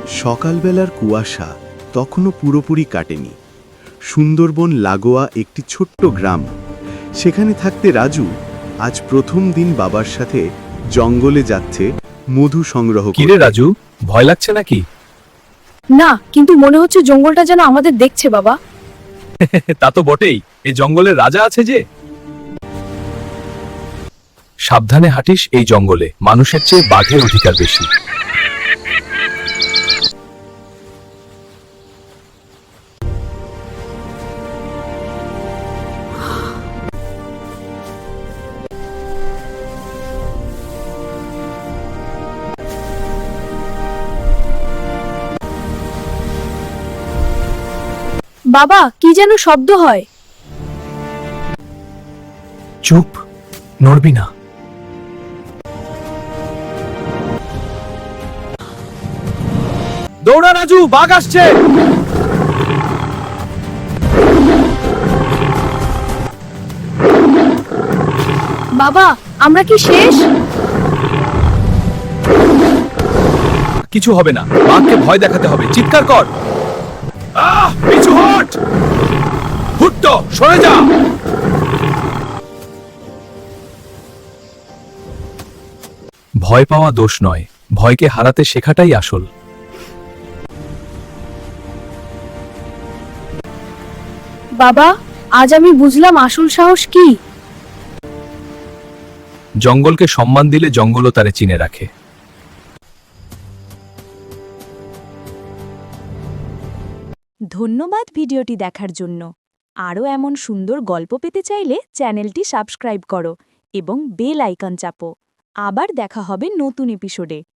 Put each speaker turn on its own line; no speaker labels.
সকালবেলার কুয়াশা তখনও পুরোপুরি কাটেনি। সুন্দরবন লাগোয়া একটি ছোট্ট গ্রাম। সেখানে থাকতে রাজু আজ প্রথম দিন বাবার সাথে জঙ্গলে যাচ্ছে মধু সংগ্রহ
কিরে
করতে।
রাজু, ভয় লাগছে নাকি?
না, কিন্তু মনে হচ্ছে জঙ্গলটা যেন আমাদের দেখছে বাবা।
তা তো বটেই, এই জঙ্গলের রাজা আছে যে। সাবধানে হাঁটিস, এই জঙ্গলে মানুষের চেয়ে বাঘের অধিকার বেশি।
বাবা, কি যেন শব্দ হয়।
চুপ, নড়বি না। দৌড়া রাজু, বাঘ আসছে।
বাবা, আমরা কি শেষ?
কিছু হবে না, বাঘকে ভয় দেখাতে হবে। চিৎকার কর। পিছু হট। হুট্টো, সরে যা। ভয় পাওয়া দোষ নয়, ভয়কে হারাতে শেখাটাই আসল।
বাবা, আজ আমি বুঝলাম আসল সাহস কি।
জঙ্গলকে সম্মান দিলে জঙ্গলও তারে চিনে রাখে।
ধন্যবাদ ভিডিওটি দেখার জন্য। আরও এমন সুন্দর গল্প পেতে চাইলে চ্যানেলটি সাবস্ক্রাইব করো এবং বেল আইকন চাপো। আবার দেখা হবে নতুন এপিসোডে।